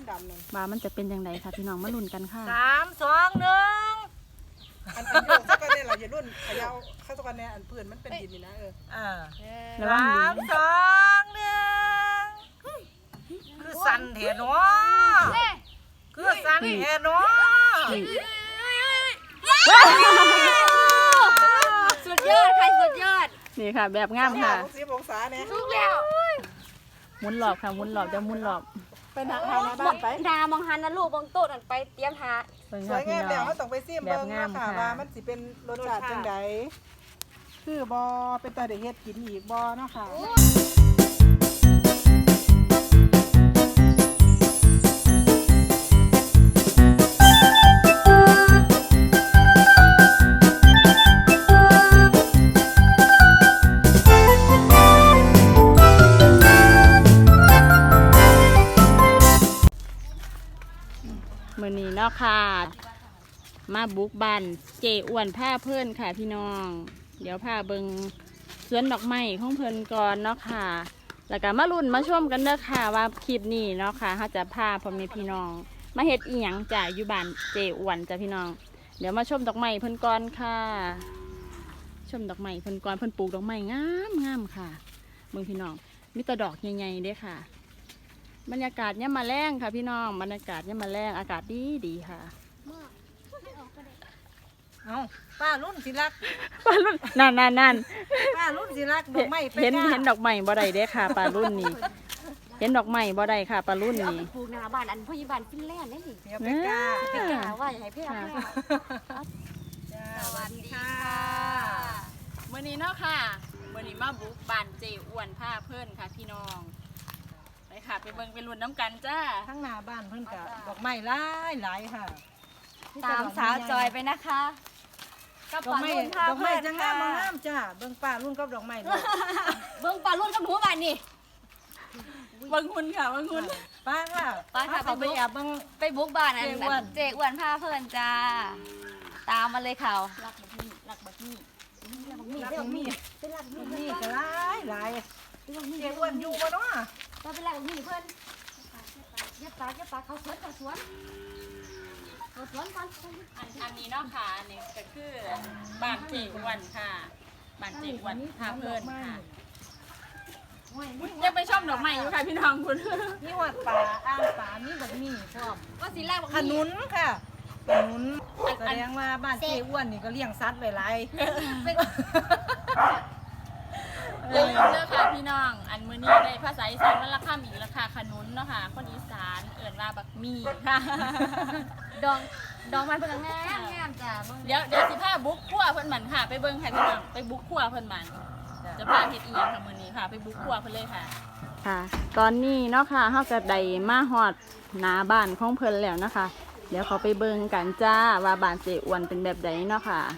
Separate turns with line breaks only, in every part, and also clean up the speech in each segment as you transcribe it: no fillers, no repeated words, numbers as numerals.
ดำๆนั่น
ว่ามันจะเป็นยังไงค่ะพี่น้องมาลุ้นกันค่ะ
3 2 1
อันโยกสักกันเนี่ยเราอย่ารุ่นขยาวเข้าสักกันเนี่ยอันพื้นมันเป็นดินนี่นะ
ระวังดี
3 2 1คือสั่นเถอะเนาะคือสั่นเถอะเนาะ
สุดยอดใครสุดยอด
นี่ค่ะแบบงามค่ะ
10 องศาเนี่ย
ทุกแล้ว
หมุนหลอบค่ะหมุนหลอบจะหมุนหลอบ
ไปหน้าบ้านไป
ดามองหันนะลูกบองโต๊ะนั่นไปเตรียมหา
สวยงามแล้วเขาต้องไปซิมเบิ่งนะคะว่ามันสิเป็นรสชาติจังไดคือบอเป็นตาเด็กเฮ็ดกินอีกบอเนาะค่ะ
มื้อนี้เนาะค่ะมาบุกบ้านเจอ้วนผ้าเพิ่นค่ะพี่น้องเดี๋ยวพาเบิงสวนดอกไม้ของเพิ่นก่อนเนาะค่ะแล้วก็มาลุ้นมาชมกันเด้อค่ะว่าคลิปนี้เนาะค่ะเขาจะพาพ่อแม่พี่น้องมาเฮ็ดอีหยังจ้ะอยู่บ้านเจอ้วนจ้ะพี่น้องเดี๋ยวมาชมดอกไม้เพิ่นก่อนค่ะชมดอกไม้เพิ่นก่อนเพิ่นปลูกดอกไม้งามค่ะเบิ่งพี่น้องมีแต่ดอกใหญ่ๆเด้ค่ะบรรยากาศเนี่ยมาแรงค่ะพี่น้องบรรยากาศเนี่ยมาแรงอากาศดีค่ะ
เอาป้ารุ่นสิรัก
ปลารุ่นนั่น
ป้ารุ่นสิรักดอกไม้
เห็นดอกไม้บ่ได้เด้ค่ะปลารุ่นนี้เห็นดอกไม้บ่ได้ค่ะปลารุ่นนี้
ปลูกหน้าบ้านอันพ่อยี่บ้านฟินแลนด์ได้สิ
เดี๋ยวไปกา
ไปกาว่าอย่าให้พี่เอา
สวัสดีค่ะ
มื้อนี้เนาะค่ะมื้อนี้มาบุกบ้านเจอ้วนผ้าเพิ่นค่ะพี่น้องไปค่ะไปเบิ่งไปลุ้นน้ำกันจ้า
ทั้งหน้าบ้านเพิ่นกับดอกไม้หลายค่ะ
ตามสาวจอยไปนะคะ
กับดอกไม้จะงามจ้าเบิ่งป้ารุ่นกับดอกไม้ด้วย
เบิ่งปลาลุ่นกับหนูบ้านนี่
เบิ่งหุ่นค่ะเบิ่งหุ่น
ป้าค่ะไปแอบเบิ่ง
ไปบุกบ้านอันเจอ้วนผ้าเพิ่นจ้าตามมาเลยเขารักบักมี่
รักมีก็หลายเจ้อ้วนอยู่บ่เนาะ
เราไปรักบักมี่เพิ่นยับปากเขาสวนก่อน
อันนี้เนาะค่ะอันนี้ก็คือบ้านเจอ้วนค่ะบ้านเจอ้วนผ้าเพิ่นค่ะยังไปชมดอกไม้อยู่ค่ะพี่น้องคุณ
นี่วัดป่าอ่างป่ามีบักมี่พร้อม
ว่าสิแรกบักมี่
ขนุนค่ะขนุนแสดงว่าบ้านเจ้อ้วนนี่ก็เลี้ยงสัตว์ไว้หลาย
เด้อค่ะพี่น้องอันมื้อนี้ได้ภาษาอีสานมันราคาอีกราคาขนุนเนาะค่ะคนอีสานเอิ่นว่าบักมี่ค่ะ
ดองมันเพิ่นงามจ้ะ
เดี๋ยวสิพาบุกครัวเพิ่นหมันค่ะไปเบิ่งค่ะพี่น้องไปบุกครัวเพิ่นหมันจะพาเฮ็ดอีหยังค่ะมื้อนี้ค่ะไปบุกครัวเพิ่นเลยค่ะค่ะตอนนี้เนาะค่ะเฮาก็ได้มาฮอดหน้าบ้านของเพิ่นแล้วนะคะเดี๋ยวเขาไปเบิ่งกันจ้าว่าบ้านเจอ้วนเป็นแบบใดเนาะค่ะ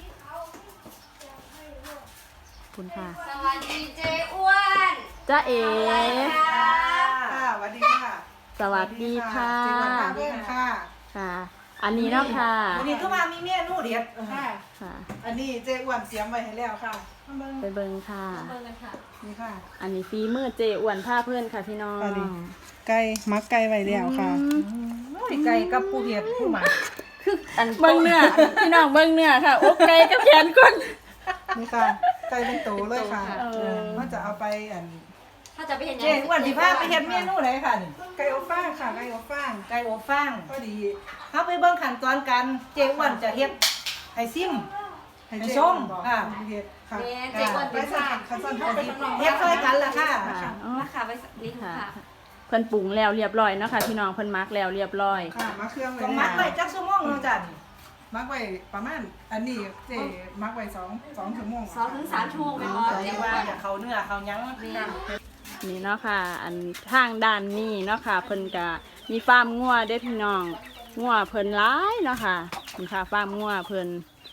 คุณค่ะ
สวัสดีเจอ้วน
จ้าเอ๋
ค่ะสวัสดีค่ะ
สวัสดีค่ะ
เจอ้วนผ้าเพิ่นค่ะ
ค่ะอันนี้เนาะค่ะ
วันนี้ก็มามีเมนูเด็ด
ค่ะอันนี้เจอ้วนเตรียมไว้ให้แล้วค่ะ
ไปเบิ่งค่ะ
เบิ่งกันค่ะ
นี่ค่ะ
อันนี้ฝีมือเจอ้วนผ้าเพื่อนค่ะพี่น้อง
ไก่มักไก่ไว้แล้วค่ะ
ไก่กับผู้เฮ็ดผู้หมัก
คืออันเบิ่งเนื้อพี่น้องเบิ่งเนื้อค่ะอกไก่กับแขนก้น
นี่ค่ะไก่เป็นโตเลยค่ะมันจะเอาไป
ถ้าจะไปเห็น
เจอ้วนสิพาไปเฮ็ดเมนูไหนค่ะนี่
ไก่อบฟางค่ะไก่อบฟาง
พอดีเฮาไปเบิ่งขั้นตอนกันเจอ้วนจะเฮ็ดให้ซิมให้ชมค่ะ
เฮ็ดค่ะ
เจอ้วนเป็นค่ะ
เฮ็ดช่วยกันล่ะค่ะ
นะคะไปนี่ค่ะ
เพิ่นปรุงแล้วเรียบร้อยเนาะค่ะพี่น้องเพิ่นมักแล้วเรียบร้อย
ค่ะมักเครื่องไว้
ต้องมักไว้จักชั่วโมงเนาะจ้ะ
มักไว้ประมาณอันนี้เจมักไว้2 ชั่วโมง
2 ถึง 3 ชั่วโมงแม่บ่
เจว่าเขาเนื้อเขาหยัง
นี่เนาะค่ะอันทางด้านนี้เนาะค่ะเพิ่นก็มีฟาร์มงัวเด้พี่น้องงัวเพิ่นหลายเนาะค่ะนี่ค่ะฟาร์มงัวเพิ่น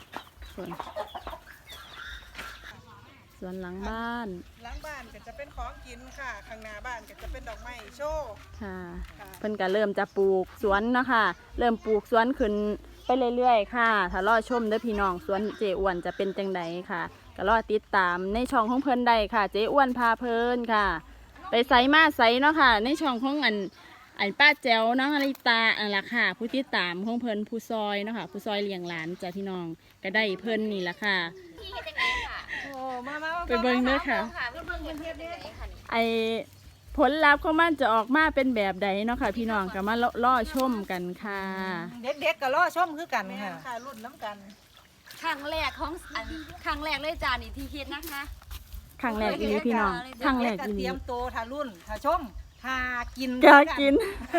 ส่วนหลังบ้าน
ก็จะเป็นของกินค่ะข้างหน้าบ้านก็จะเป็นดอกไม้โชว์
ค่ะเพิ่นก็เริ่มจะปลูกสวนเนาะค่ะเริ่มปลูกสวนขึ้นไปเรื่อยๆค่ะถ้ารอชมเด้อพี่น้องสวนเจอ้วนจะเป็นจังไดค่ะก็รอติดตามในช่องของเพิ่นได้ค่ะเจอ้วนพาเพิ่นค่ะไปไสมาไสเนาะค่ะในช่องของอันอันป้าแจ๋วน้องอลิตาอันละค่ะผู้ที่ตามของเพิ่นผู้ซอยเนาะค่ะผู้ซอยเลี้ยงหลานจ้ะพี่น้องก็ได้เพิ่นนี่ละค่ะ
พี่เฮ็ดจังไดค่ะ
โอ้มา
ไปเบิ่งเด้อค่ะ
ค่ะเพิ่นเฮ็ดจังไดค่ะนี่
ไอผลลัพธ์ของมันจะออกมาเป็นแบบใดเนาะค่ะพี่น้องก็มาล่อชมกันค่ะ
เด็กๆก็รอชมคือกัน
แม่
ค่ะ
ค่ะรุ่นน้ำกัน
ครั้งแรกของครั้งแรกเลยจ้านี่ที่เฮ็ดนะคะ
ครั้งแรกอีหลีพี่น้องครั้งแรก
เด็
อี
ๆ
ห
เต
ลี
รียมโตวถ้ารุ่นถ้าชมถ้ากิน
กากิน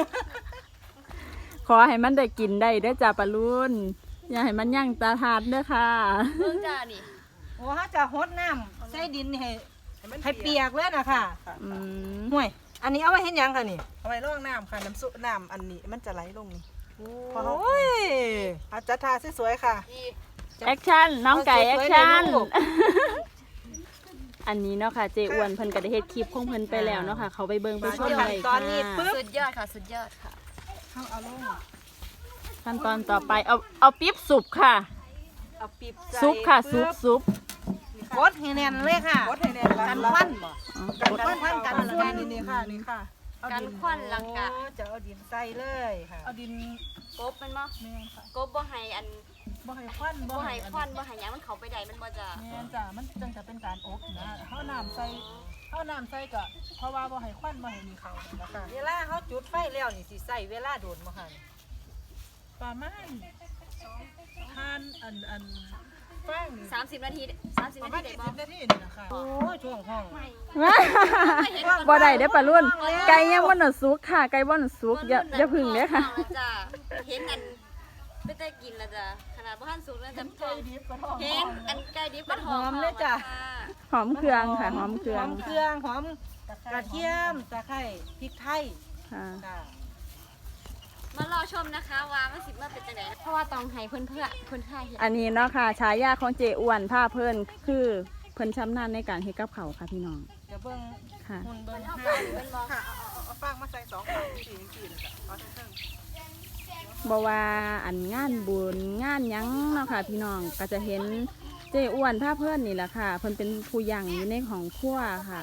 ขอให้มันได้กินได้เด้อจ้าปลาลุนอย่าให้มันยั่งตาทาดเด้อค่ะ
เบิ่งจ้านี่
โอ้เขาจะหดน้ำใส่ดินนี่ให้เปียกเลยนะค่ะ
อืม
ห่วย อันนี้เอาไว้เห็นยังค่ะนี่
เอาไว้ร่องน้ำค่ะน้ำซุปน้ำอันนี้มันจะไหลลงนี่
โอ้ย
อาจารย์ทาสวยๆค่ะ
นี่
แอคชั่นน้องไก่
เอา
แอค
สวยๆ
ชั่น
เลยลูก
อันนี้เนาะค่ะเจอ้วนเพิ่นก็ได้เฮ็ดคลิปของเพิ่นไปแล้วเนาะค่ะเขาไปเบิ่งไปชม
ขั้
ได้
นตอนนี้
ค่ะ
ปึ๊บ
สุดยอดค่ะสุดยอดค่ะ
เอาลง
ขั้นตอนต่อไปเอาปิ๊บสุบค่ะ
เอาปีบใส่
ซุปค่ะซุป
ปึ๊บ
ซุป
กดให้แน่นเลยค่ะ
กดให้แน่นละ
กันควันบ่
อ๋อ
กันควันกันฝุ่นนี่ค่ะนี่ค่ะเอา
กัน
ดิน
ควันลังกะ
โอ้จะเอาดินใส่เลยค่ะ
เอาดิน
กบมันบ่
แม่นค่ะ
กบบ่ให้อัน
บ่ให้ควัน
บ่ให้ควันบ่ให้หยังมันเข้าไปได้มันบ่จะ
แม่นจ้ะมันจังจะเป็นการอบนะเฮาน้ำใส่ก็เพราะว่าบ่ให้ควันบ่ให้มีเขานะคะ
เวลาเขาจุดไฟแล้วนี่สิใส่เวลาโดนบ่ค่ะ
ประมาณทานอันฟางนี่
30 นาที 30
ประ
นา
มา
ที
ณ
ได้บ่
20นาทีนี่นะคะ
โอ้ยช่วงห้อง
บ่ได้เด้อปลารุ่นไก่ยังบ่หนสุกค่ะไก่บ่หนสุกอย่าพึ่งเด้อค่ะ
จ้าเห็นอันไม่ได้กินแล้วจ้ะขนาดบ่ทันสุกแล้วจ้ะ
ไก่ดิบก็ท้อง
เห็นอันไก่ดิบกระท
หอมเลยจ้ะ
หอมเครื่องค่ะหอมเครื่
ห
อ
อง มเครื่องหอมกระเทียมตะไคร้พริกไทย
ค่ะ
จ้ะ
มารอชมนะคะว่ามันสิมาเป็นจังไดเพราะว่าต้องให้เพิ่นเฮ็ด
อันนี้เนาะค่ะฉายาของเจอ้วนผ้าเพิ่นคือเพิ่นชำนาญในการเฮ็ดกับข้าวค่ะพี่น้อง
เดี๋ยวเบิ่ง
ค่ะ
หุ่นเบิ่ง
เอา
ห้า
ไปเพิ่นบ่
ค่ะเอาฟางมาใส่2ฝั่งที่4นะจ๊ะเอาเทิง
บ่ว่าอันงานบุญงานหยังเนาะค่ะพี่น้องก็จะเห็นเจอ้วนผ้าเพิ่นนี่แหละค่ะเพิ่นเป็นผู้ยังอยู่ในของครัวค่ะ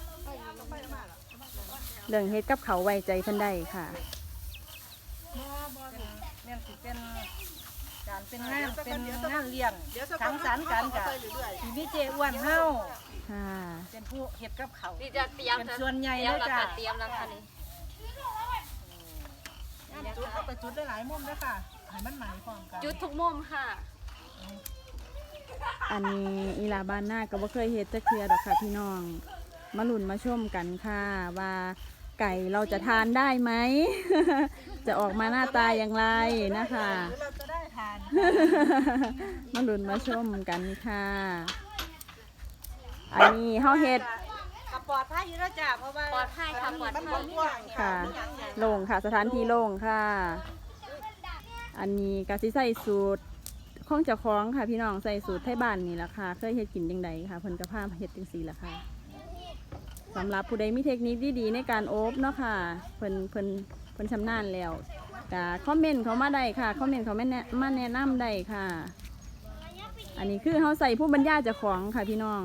เรื่องเฮ็ดกับเขาวไว้ใจเพิ่นได้ค่ะ
แม่นสิเป็นการเป็นงานเลี้ยงสังสรรค์กันกับที่มีเจอ้วนเฮา
ค่ะ
เป็นผู้เฮ็ดกับเขาว
นี่จะเตรียม
เป็นส่วนใหญ่
เตรียม
เลย
แล้ว
จ้ะ
ค่ะเตรียมแล้วค่ะนี่
จุดเข้าไปจุดได้หลายมุมด้วยค่ะให้มันไหมพร้อมกัน
จุดทุกมุมค่ะ
อันนี้อีหลาบ้านหน้าก็บ่เคยเฮ็ดจักเทื่อดอกค่ะพี่น้องมาลุ้นมาชมกันค่ะว่าไก่เราจะทานได้ไหม จะออกมาหน้าตาอย่างไรนะคะ
หรือเราจะได้ทาน
มาลุ้นมาชมกันค่ะ อันนี้เฮาเฮ็ด
กับปลอดภัยอยู่แล้วจ้ะเพราะว่า
ปลอดภัยค่ะปลอด
มัน
ภัย
กว้าง
ค่ะโล่งค่ะ สถานที่โล่งค่ะ อันนี้กะสิใส่สูตรของเจ้าของค่ะ พี่น้องใส่สูตรไทยบ้านนี่แหละค่ะเคยเฮ็ดกินจังใดค่ะเพิ่นก็พามาเฮ็ดจังซี่ล่ะค่ะสำหรับผู้ใดมีเทคนิคดีๆในการโอบเนาะค่ะเพิ่นชำนาญแล้วก็คอมเมนต์เขามาได้ค่ะคอมเมนต์เขามาแนะนำได้ค่ะ อันนี้คือเฮาใส่ผู้บรรยายเจ้าของค่ะพี่น้อง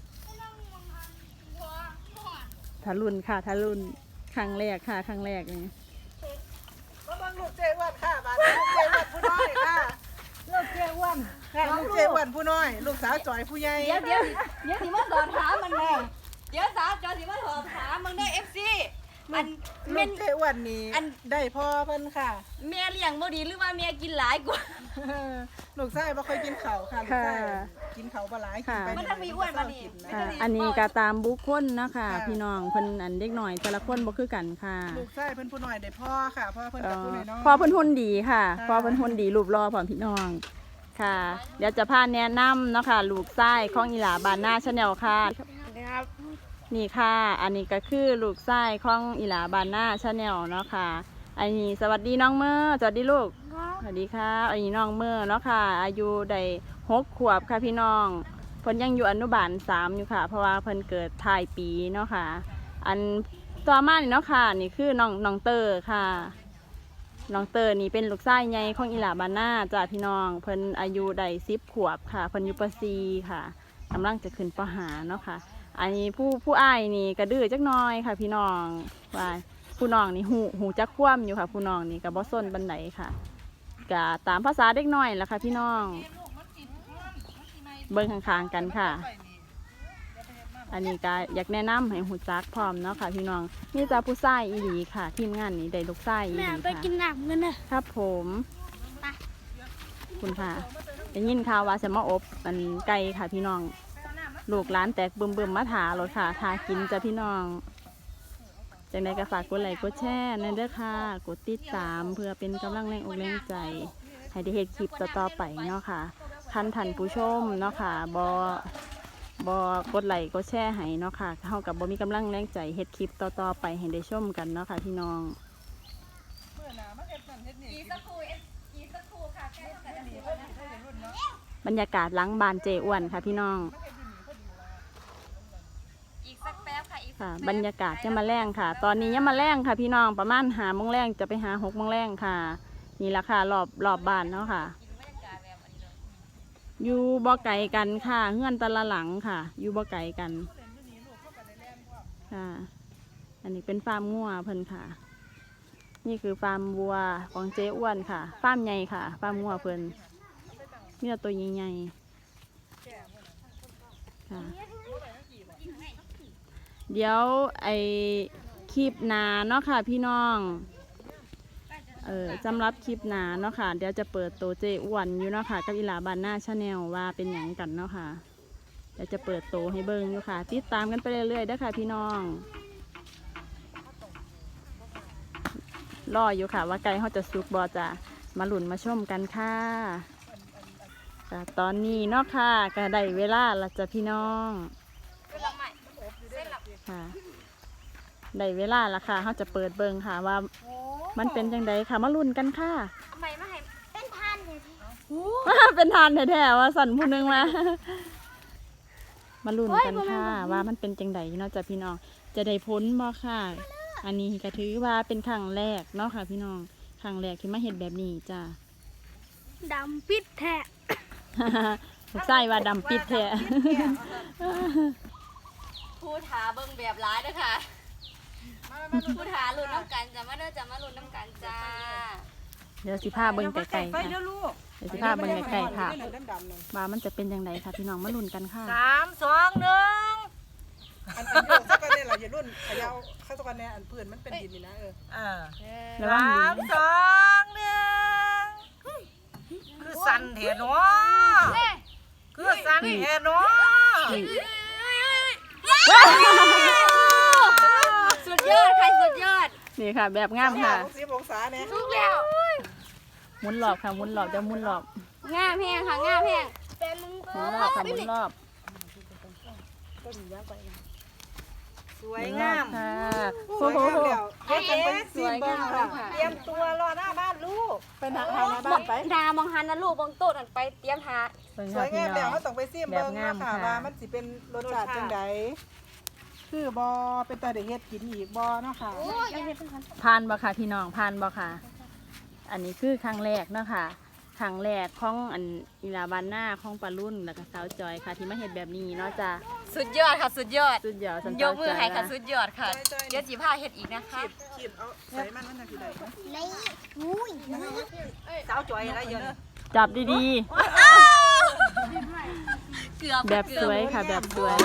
ทะลุนค่ะทะลุนครั้งแรกค่ะครั้งแรกนี่
ก็บังลูกเจอ้วนค่ะบ้านลูกเจอ้วนผู้น้อยค่ะ
เลิกเจอ้วน
ค่ะลูกเจอ้วนผู้น้อย ลูกสาวจอยผู้ใหญ่
เดี๋ยวสิมาสอบถามมันแม่เดี๋ยวสาวจอสิมาสอบถามมึงได้ FC อัน
ลู
แม่
ก
น
เจอ้วนนี่
อัน
ได้พ่อเพิ่นค่ะ
แม่เลี้ยงบ่ดีหรือว่าแม่กินหลายกว่า
ลูกชายบ่ค่อยกินข้าวค่ะลูกชายกินข้าวบ่หลายกินไป
มันทำมีอ้วนมานี่
ค่ะอันนี้ก็ตามบุคคลนะคะพี่น้องเพิ่นอันเด็กหน่อยแต่ละคนบ่คือกันค่ะ
ลูกชายเพิ่นผู้น้อยได้พ่อค่ะพ่อเพิ่นกับผู้น้อย
พอเพิ่นหุ่นดีค่ะพอเพิ่นหุ่นดีรูปรอพร้อมพี่น้องค่ะ เดี๋ยวจะพาแนะนำเนาะค่ะลูกชายของอีหลาบานหน้าชาแนลค่ะนี่ค่ะ อันนี้ก็คือลูกชายของอีหลาบานหน้าชาแนลเนาะค่ะ อันนี้สวัสดีน้องเมอร์สวัสดีลูกสวัสดีค่ะอันนี้น้องเมอร์เนาะค่ะอายุได้6 ขวบค่ะพี่น้องเพิ่นยังอยู่อนุบาล3อยู่ค่ะเพราะว่าเพิ่นเกิดท้ายปีเนาะค่ะ อันต่อมานี่เนาะค่ะนี่คือน้องเตอร์ค่ะน้องเตอร์นี่เป็นลูกชายใหญ่ของอีหลาบานหน้าจ้าพี่น้องเพิ่นอายุได้10 ขวบค่ะเพิ่นอยู่ป .4 ค่ะกำลังจะขึ้นป .5 เนาะค่ะอันนี้ผู้อ้ายนี่กระดื้อจักหน้อยค่ะพี่น้องว่าผู้น้องนี่หูจักคว่ำอยู่ค่ะผู้น้องนี่กับบ่ส้นบันไดค่ะกะตามภาษาเด็กน้อยล่ะค่ะพี่น้องเบิ่งข้างๆกันค่ะอันนี้ก็อยากแนะนำให้หูจักพร้อมเนาะค่ะพี่น้องนี่จะผู้ชายอีหลีค่ะทีมงานนี้ได้ลูกชายอีหลีค่ะ
ไปกินน้ำกันนะครับ
ผมคุณค่ะได้ยินข่าวว่าจะมาอบมันไก่ค่ะพี่น้องลูกร้านแตกบึมมาถารถค่ะทากินจ้ะพี่น้องจังใดก็ฝากกดไลค์กดแชร์นั่นเด้อค่ะกดติดตามเพื่อเป็นกำลังแรงอกแรงใจให้ได้เห็นคลิปต่อๆไปเนาะค่ะท่านผู้ชมเนาะค่ะบอกดไลค์กดแชร์ให้เนาะค่ะเท่ากับบ่มีกำลังแรงใจเฮ็ดคลิปต่อๆไปให้ได้ชมกันเนาะค่ะพี่น้องบรรยากาศหลังบานเจอ้วนค่ะพี่น้อง
อีกสักแป๊บค่ะอีก
ค่ะบรรยากาศยังมาแรงค่ะ ตอนนี้ยังมาแรงค่ะพี่น้องประมาณ5 โมงแรงจะไปหา6 โมงแรงค่ะนี่ละค่ะรอบบ้านเนาะค่ะอยู่บ่ไก่กันค่ะเงื่อนตะละหลังค่ะอยู่บ่ไก่กันค่ะอันนี้เป็นฟาร์มงัวเพิ่นค่ะนี่คือฟาร์มวัวของเจ๊อ้วนค่ะฟาร์มใหญ่ค่ะฟาร์มงัวเพิ่นมีแต่ตัวใหญ่ๆค่ะเดี๋ยวไอคลิปหนาเนาะค่ะพี่น้องสำหรับคลิปหนาเนาะค่ะเดี๋ยวจะเปิดตัวเจอ้วนอยู่เนาะค่ะกับอีหลาบานหน้าชาแนลว่าเป็นหยังกันเนาะค่ะเดี๋ยวจะเปิดตัวให้เบิ่งอยู่ค่ะติดตามกันไปเรื่อยๆเด้อค่ะพี่น้องรออยู่ค่ะว่าไก่เขาจะสุกบอจะมาหลุนมาชมกันค่ะตอนนี้เนาะค่ะก็ได้เวลาละจ้ะพี่น้องค่ะได้เวลาละค่ะเขาจะเปิดเบิ่งค่ะว่ามันเป็นจังไดค่ะมาลุ้นกันค่ะ
ทำไมไม่ให้เป็นทานเลย
เป็นทานแท้ๆว่าสั่นผู้นึงมาลุ้นกันค่ะว่ามันเป็นจังไดเนาะจ้ะพี่น้องจะได้พ้นบ่ค่ะอันนี้ก็ถือว่าเป็นครั้งแรกเนาะค่ะพี่น้องครั้งแรกที่มาเห็นแบบนี้จ้ะ
ดำปิดแทะ
ใส่ว่าดำปิดแท้
พูดหาเบิ่งแบบร้ายด้วยค่ะพูดหาลุ้นน้ำกันจะมาเด้อจะมาลุ้นน้ำกันจ้า
เดี๋ยวสิพาเบิ่งไก่ๆค่ะเดี๋ยวสิพาเบิ่งไก่ๆค่ะว่ามันจะเป็นยังไงค่ะพี่น้องมาลุ้นกันค่ะ
3 2 1
อันโยกสักกันเนี่ยเราอย่ารุ่นขยาวเข้าสักกันเนี่ยอันเพื่อนมันเป็นดินนี่นะ
ระวังดี
3 2 1คือสั่นแท้เนาะคือสั่นแท้เนาะ
สุดยอดใครสุดยอด
นี่ค่ะ แบบงามค่ะ
60 องศาเนี่ย
ทุกแล้ว
หมุนรอบค่ะหมุนรอบจะหมุนรอบ
งามแพงค่ะงามแพงเป็นมึง
หมุนรอบค่ะหมุนรอบ
สวยงาม
ค่ะ
สวยงามแล้วเฮ็ดกันไปซีมเบิ้งค่ะ
เตรียมตัวรอหน้าบ้านลูก
ไปหาทางหน้าบ้านไป
ดามองหันนะลูกบางโต๊ะนั่นไปเตรียมหา
สวยงามแล้วเขาต้องไปซีมเบิ้งเนาะค่ะว่ามันสิเป็นรสชาติจังไดคือบอเป็นตาได้เฮ็ดกินอีกบอเนาะค่ะ
ผ่านบ่ค่ะพี่น้องผ่านบ่ค่ะ อันนี้คือครั้งแรกเนาะค่ะครั้งแรกของอันอีลาบานหน้าของปลารุ่นแล้วก็สาวจอยค่ะที่มาเห็นแบบนี้เนาะจ้ะ
สุดยอดค่ะสุดยอด
สุดยอดสัน
ย
เจ้าก
มือให้ค่ะ
จ
สุ
อย
ดยอดค่ะเดี๋ยวจีพาเฮ็ดอีกนะคะ
ขีดเอาใส่มันจังสิได้เนาะ
สาวจอยอะไรเยอะ
จับดี
เกือบ
ๆ แบบสวยค่ะแบบสวย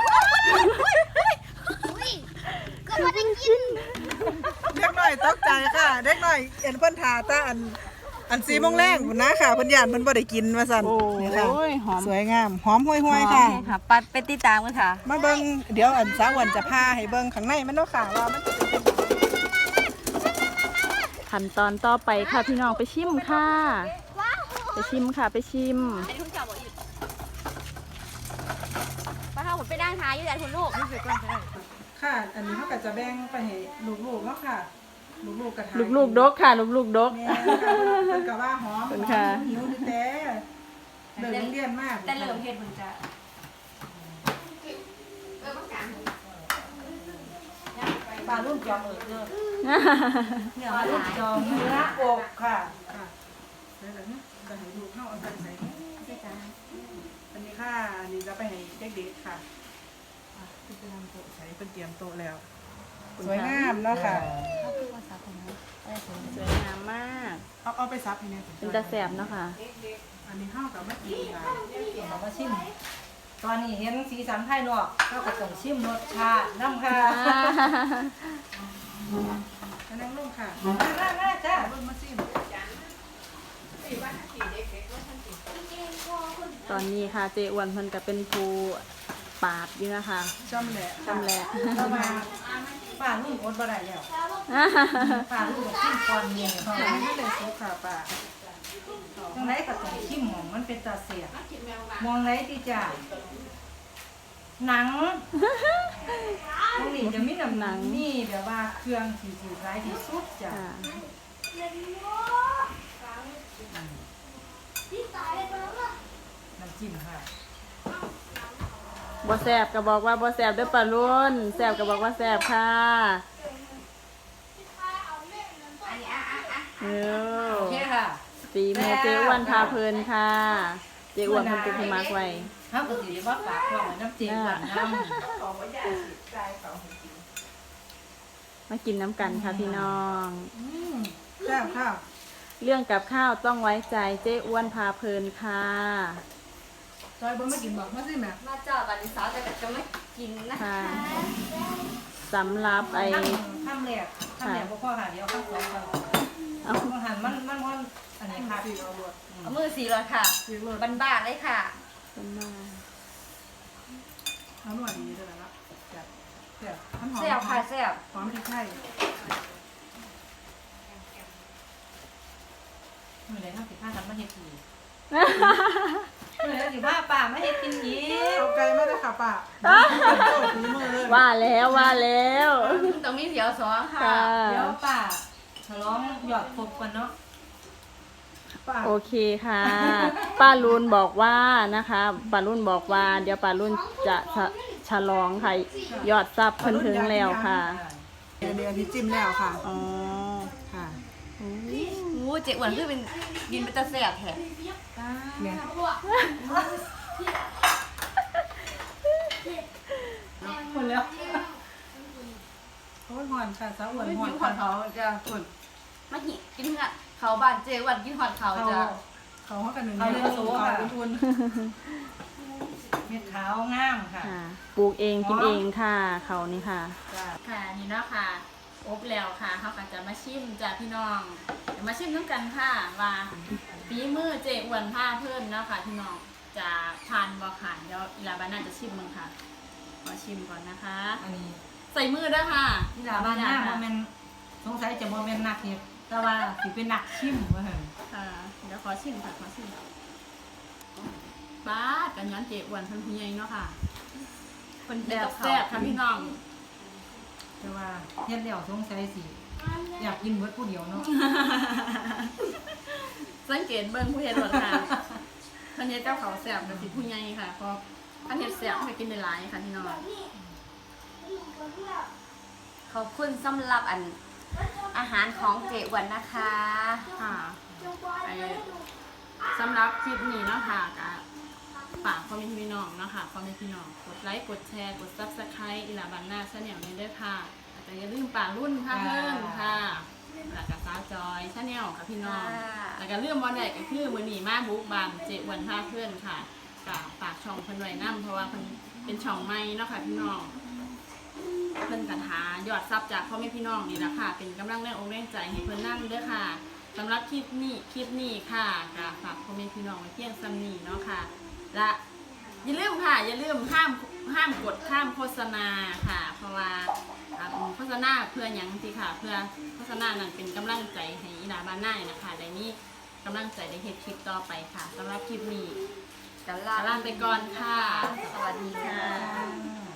ก็มาได้กิน
เด็กน้อยตกใจค่ะเด็กน้อยเอ็นเพิ่นทาตาอัน4 โมงแรงพุ่นนะค่ะเพิ่นย่านเพิ่นบ่ได้กินว่าซั่น
โอ้
นี่ค่ะ
ยหอม
สวยงามหอมห้วยๆค่ะ
ค่ะปัดไปติดตามกันค่ะ
มาเบิ่งเดี๋ยวอันสาววันจะพาให้เบิ่งข้างในมันเนาะค่ะว่ามันจะเป็น
ขั้นตอนต่อไปค่ะพี่น้องไปชิมค่ะ ไปชิมค่ะไปชิม
อันนี้คุณข่าวบอกหยุดป้าเท่าผมไปนั่งท้ายอยู่แต่คุณลูก
ค่ะ อันนี้เขาก็จะแบ่งไปให้ลูกๆเนาะค่ะลูกๆกระทาย
ลูกๆดกค่ะลูกๆดก
แม่ค่ะเพิ่นก็ว่าหอม
ขอบคุณค่ะ
หิวดิแต่เดินเรียนมาก
แต่เหลิมเพชรมันจะ
ปลารุ่นจอมเด้อ
เหนือ
ปลา
มา
รุ่น
หลาย
จอมเนื้ออกค่ะ
ค่ะแล้วเดี๋ยวนี้จะให้ลูกเข้าเอาไปใส่อันนี้ค่ะอันนี้จะไปให้เด็กๆค่ะอ่ะเป็นโต๊ะใส่เป็นเตรียมโต๊ะแล้วสวยงามเนาะค่ะ
สวยงามมาก
เอาไปซับให้เนี่ย
เป็นตาแสบเนาะค่ะ
อันนี้ข้าวกับมะกรูดค่ะ
เรามาชิมตอนนี้เห็นสีสันภายนอกก็กระต้องชิมรสชาติน้ำค่ะ
อันนั่งลงค่ะ
น่าจ้า
เบิ่งมาซิม
ตอนนี้ค่ะเจอ้วนเพิ่นก็เป็นผู้ปาดอยู่นะคะ
จำแหละ
จำแหละ
เรามาป้าลูกอดบ่ได้แล้วป้าลูกชิมก่อนเมียเขา
อันนี้เลยซุปค่ะป้า
ตรงไหนกระต้องชิมหมองมันเป็นตาเสียมองไหนที่จ้าหนังตรงนี้จะมีน้ำหนังนี่แบบว่าเครื่องสีร้ายที่สุดจ้ะ
ค่ะ
น้ำจิ้มค่ะ
บ่แสบก็บอกว่าบ่แสบเด้อปลารุ่นแสบก็บอกว่าแสบค่ะเออ
โอเคค่ะ
ฝีมือเจอ้วนพาเพลินค่ะ เจอ้วนเพิ่นเป็นผู้มักไว้
เขาก็สิว่าฝากท้องไว้น้ำจิ้มหวานน้ำ
มากินน้ำกันค่ะพี่น้อง
แซ่บค่ะ
เรื่องกับข้าวต้องไว้ใจเจอ้วนพาเพลินค่ะ
ซอยบ่ไม่กินบอกมาซิแม่
มาเจอบัดนี้สาวจะไม่กินนะคะ
ค่ะสำหรับไอ้
ทำแหลกบ่พอค่ะเดี๋ยวข้าวสองค่ะ
เอา
อาหารมันอันนี้ค่ะ
สีเอารวด
เอามือสีเลยค่ะ
สีรวด
บ้านๆเลยค่ะ
เป็นมา
เอาหน่วยดีเลยนะจัดแซ่บหอม
แซ่บค่ะแซ่บ
หอมพริกไทย
มื้อใดเฮาสิพากันมาเฮ็ดอีกมื้อใดสิพาป้ามาเฮ็ดกินอีก
เอาไก่มาได้ค่ะป้าโอ้ฝีมือเลย
ว่าแล้วว่าแล้ว
ต้องมีเสียวสองค่ะ
ค่ะ
เดี๋ยวป้าฉลองยอดครบกันเนาะ
ป้า
โอเคค่ะ ป้ารุนบอกว่านะคะป้ารุนบอกว่า เดี๋ยวป้ารุนจะฉลองค่ะยอดซับเพิ่นถึงแล้วค่ะ
เดี๋ยวนี้จิ้มแล้วค่ะ
อ๋อ
ค่ะ
งูเจ๊อ้วนคือเป็นกินเป็นตาแซ่บแท้
เนี่ย
หมดแล้ว
โอ้ยหอนค่ะสาวอ้วน
ไม่
หอ
กิ
น
นหอดเขาจ้ะคุณมาหิกินค่ะเขาบ้านเจ๊อ้วนกินหอดเขา
เขา
จ้ะ
เขาเขากันหนึ่ง
เอาเรือโซ่ค่ะ
เป็นทุน
เม็ดขาวงามค่ะ
ค่ะปลูกเองกินเองค่ะเขานี่ค่ะ
จ้า
ค่ะนี่เนาะค่ะอบแล้วค่ะเขาก็จะมาชิมจากพี่น้องเดี๋ยวมาชิมน้ำกันค่ะว่าฝีมือเจอ้วนผ้าเพิ่นเนาะค่ะพี่น้องจะทานบ่ค่ะเดี๋ยวอีลาบาน่าจะชิมมึงค่ะขอชิมก่อนนะคะ
อันนี้
ใส่มือด้วยค่ะ
ที่ลาบ้านหน้าบ่แม่นสงสัยจะบ่แม่นนักเฮ็ดแต่ว่าสิเป็นนักชิมว่าหั่น
ค่ะเดี๋ยวขอชิมค่ะขอชิมบ้าดกันย้อนเจอ้วนเพิ่นผู้ใหญ่เนาะค่ะ
คน
แบ
เดียว
บ
เขา
แซ่บค่ะพี่น้อง
แต่ว่าเฮ็ดแล้วสงสัยสิอยากกินเบิดผู้เดียวเนาะ
สังเกตเบิ่งผู้เฮ็ดรสค่ะเพิ่นเฮ็ดเจ้าเขาวแซ่บกับสิผู้ใหญ่ค่ะเพราะเพิ่นเฮ็ดแซ่บให้กินได้หลายค่ะพี่น้อง
ขอบคุณสำหรับอาหารของเจ๊อ้วนนะคะ
ค่ะไอ้สำหรับคลิปนี้เนาะค่ะก็ฝากพ่อแม่พี่น้องเนาะค่ะพ่อแม่พี่น้องกดไลค์กดแชร์กด Subscribe อีหลาบันหน้าชาแนลนี้ด้วยค่ะแต่อย่าลืมป่ารุ่นค่ะเพิ่นค่ะแล้วก็สาวจอยชาแนลค่ะพี่น้อง แล้วก็เรื่องบอลใหญ่ก็คือมื้อนี้มาบุกบานเจอ้วนพาเพื่อนค่ะก็ฝากช่องเพิ่นไว้นํเพราะว่าเพิ่นเป็นช่องใหม่เนาะค่ะพี่น้องเพิ่นกันหายอดซับจากพ่อแม่พี่น้องนี่แหละค่ะ เป็นกำลังแรงอกแรงใจให้เพิ่นนั่งเด้อค่ะสำหรับคลิปนี้ค่ะก็ฝากพ่อแม่พี่น้องไว้เพียงซ้ำนี้เนาะค่ะและอย่าลืมค่ะอย่าลืมห้ามกดข้ามโฆษณาค่ะ เพราะว่าโฆษณาเพื่อหยังสิค่ะ เพื่อโฆษณานั้นเป็นกำลังใจให้อีหลาบ้านหน้านี่นะคะในนี้กำลังใจได้เฮ็ดคลิปต่อไปค่ะสำหรับคลิปนี้
กัน
ลาไปก่อนค่ะ
สวัสดีค่ะ
อ่า